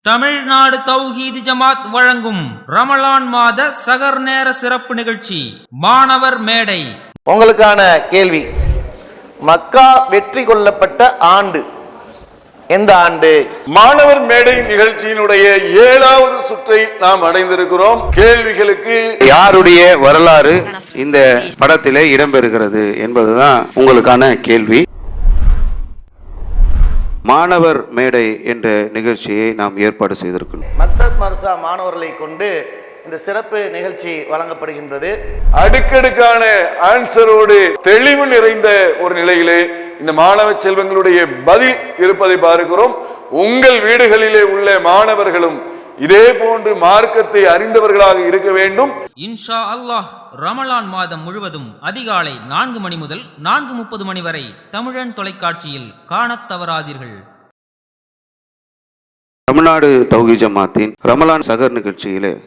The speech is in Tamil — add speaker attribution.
Speaker 1: தமிழ்நாடு தௌஹீது ஜமாத் வழங்கும் ரமலான் மாத சகர் நேர சிறப்பு நிகழ்ச்சி மாணவர் மேடை.
Speaker 2: உங்களுக்கான கேள்வி, மக்கா வெற்றி கொள்ளப்பட்ட ஆண்டு எந்த ஆண்டு?
Speaker 3: மாணவர் மேடை நிகழ்ச்சியினுடைய 7வது சுற்றை நாம் அடைந்திருக்கிறோம். கேள்விகளுக்கு
Speaker 4: யாருடைய வரலாறு இந்த படத்திலே இடம்பெறுகிறது என்பதுதான் உங்களுக்கான கேள்வி. மாணவர் மேடை என்ற நிகழ்ச்சியை நாம் ஏற்பாடு செய்திருக்கிறோம்.
Speaker 2: மக்தப் மர்சா மாணவர்களை கொண்டு இந்த சிறப்பு நிகழ்ச்சி வழங்கப்படுகின்றது.
Speaker 3: அடுக்கடுக்கான ஆன்சரோடு தெளிவு நிறைந்த ஒரு நிலையிலே இந்த மாணவ செல்வங்களுடைய பதில் இருப்பதை பார்க்கிறோம். உங்கள் வீடுகளிலே உள்ள மாணவர்களும் இதே போன்று மார்க்கத்தை அறிந்தவர்களாக இருக்க வேண்டும்.
Speaker 1: இன்ஷா அல்லாஹ் ரமலான் மாதம் முழுவதும் அதிகாலை 4 மணி முதல் 4:30 மணி வரை தமிழன் தொலைக்காட்சியில் காணத் தவறாதீர்கள்.
Speaker 4: தமிழ்நாடு தௌஹீத் ஜமாத்தின் ரமலான் சகர் நிகழ்ச்சியிலே